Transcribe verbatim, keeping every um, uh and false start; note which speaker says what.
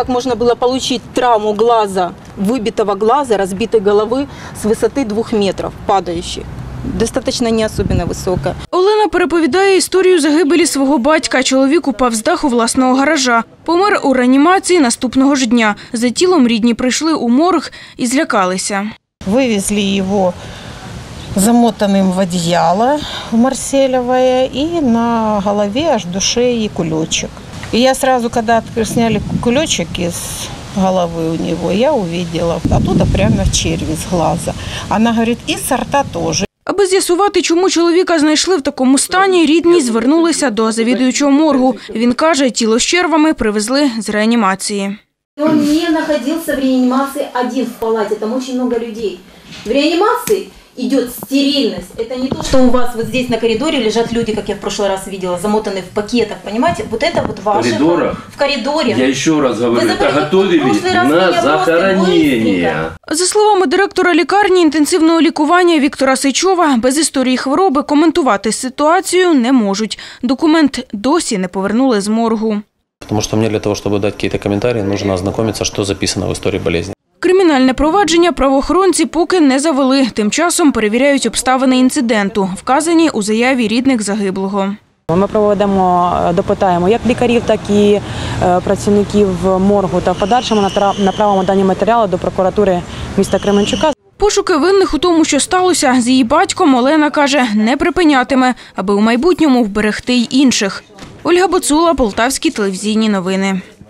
Speaker 1: как можно было получить травму глаза, выбитого глаза, разбитой головы с высоты двух метров, падающей. Достаточно не особенно висока.
Speaker 2: Олена переповідає історію загибелі свого батька. Чоловік упав з даху власного гаража. Помер у реанімації наступного ж дня. За тілом рідні прийшли у морг і злякалися.
Speaker 3: Вивезли його замотанным в одеяло в марселевое и на голове аж до шеи кулечек. И я сразу, когда сняли кулечек из головы у него, я увидела оттуда прямо червь из глаза. Она говорит, и с рта тоже.
Speaker 2: Аби з'ясувати, чому чоловіка знайшли в такому стані, рідні звернулися до завідуючого моргу. Він каже, тіло з червами привезли з реанімації.
Speaker 1: Он не находился в реанимации один в палате, там очень много людей. В реанимации идет стерильность. Это не то, что у вас вот здесь на коридоре лежат люди, как я в прошлый раз видела, замотанные в пакетах, понимаете? Вот это вот ваши... В
Speaker 4: коридорах?
Speaker 1: В коридоре.
Speaker 4: Я еще раз говорю, это готовили на захоронение.
Speaker 2: За словами директора лікарні інтенсивного лікування Віктора Сичова, без історії хвороби коментувати ситуацію не можуть. Документ досі не повернули з моргу.
Speaker 5: Потому что мне для того, чтобы дать какие-то комментарии, нужно ознакомиться, что записано в истории болезни.
Speaker 2: Кримінальне провадження правоохоронці поки не завели. Тим часом перевіряють обставини інциденту, вказані у заяві рідних загиблого.
Speaker 6: Ми проведемо, допитаємо як лікарів, так і працівників моргу та в подальшому направимо дані матеріали до прокуратури міста Кременчука.
Speaker 2: Пошуки винних у тому, що сталося з її батьком, Олена каже, не припинятиме, аби у майбутньому вберегти й інших. Ольга Боцула, Полтавські телевізійні новини.